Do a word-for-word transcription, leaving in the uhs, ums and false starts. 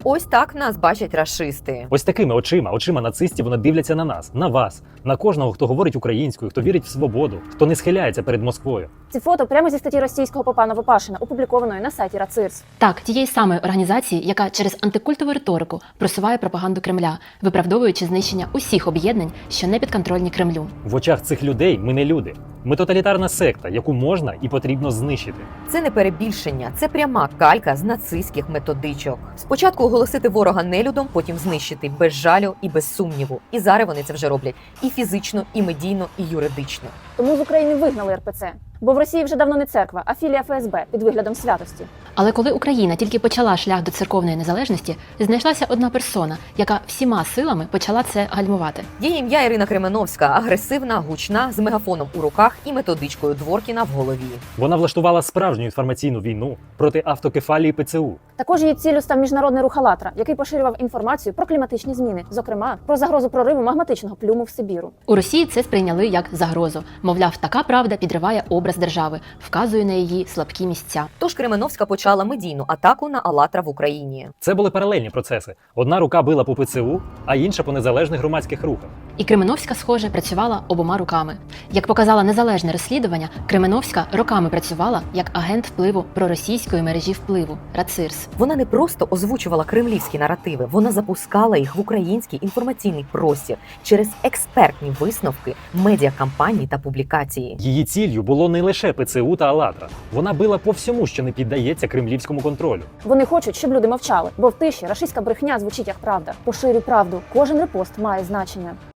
Ось так нас бачать рашисти. Ось такими очима, очима нацистів вони дивляться на нас, на вас, на кожного, хто говорить українською, хто вірить в свободу, хто не схиляється перед Москвою. Ці фото прямо зі статті російського попа Новопашина, опублікованої на сайті Рацирс. Так, тієї самої організації, яка через антикультову риторику просуває пропаганду Кремля, виправдовуючи знищення усіх об'єднань, що не підконтрольні Кремлю. В очах цих людей ми не люди. Ми тоталітарна секта, яку можна і потрібно знищити. Це не перебільшення, це пряма калька з нацистських методичок. Спочатку оголосити ворога нелюдом, потім знищити без жалю і без сумніву. І зараз вони це вже роблять і фізично, і медійно, і юридично. Тому з України вигнали ер пе це. Бо в Росії вже давно не церква, а філія еф ес бе під виглядом святості. Але коли Україна тільки почала шлях до церковної незалежності, знайшлася одна персона, яка всіма силами почала це гальмувати. Її ім'я Ірина Кременовська, агресивна, гучна, з мегафоном у руках і методичкою Дворкіна в голові. Вона влаштувала справжню інформаційну війну проти автокефалії пе це у. Також її ціллю став міжнародний рух «АЛЛАТРА», який поширював інформацію про кліматичні зміни, зокрема, про загрозу прориву магматичного плюму в Сибіру. У Росії це сприйняли як загрозу. Мовляв, така правда підриває образ держави, вказує на її слабкі місця. Тож Кременовська почала медійну атаку на «АЛЛАТРА» в Україні. Це були паралельні процеси. Одна рука била по пе це у, а інша по незалежних громадських рухах. І Кременовська, схоже, працювала обома руками. Як показало незалежне розслідування, Кременовська роками працювала як агент впливу проросійської мережі впливу Рацирс. Вона не просто озвучувала кремлівські наративи, вона запускала їх в український інформаційний простір через експертні висновки, медіакампаній та публікації. Її ціллю було не лише пе це у та «АЛЛАТРА». Вона била по всьому, що не піддається кремлівському контролю. Вони хочуть, щоб люди мовчали, бо в тиші рашистська брехня звучить як правда. Поширюй правду, кожен репост має значення.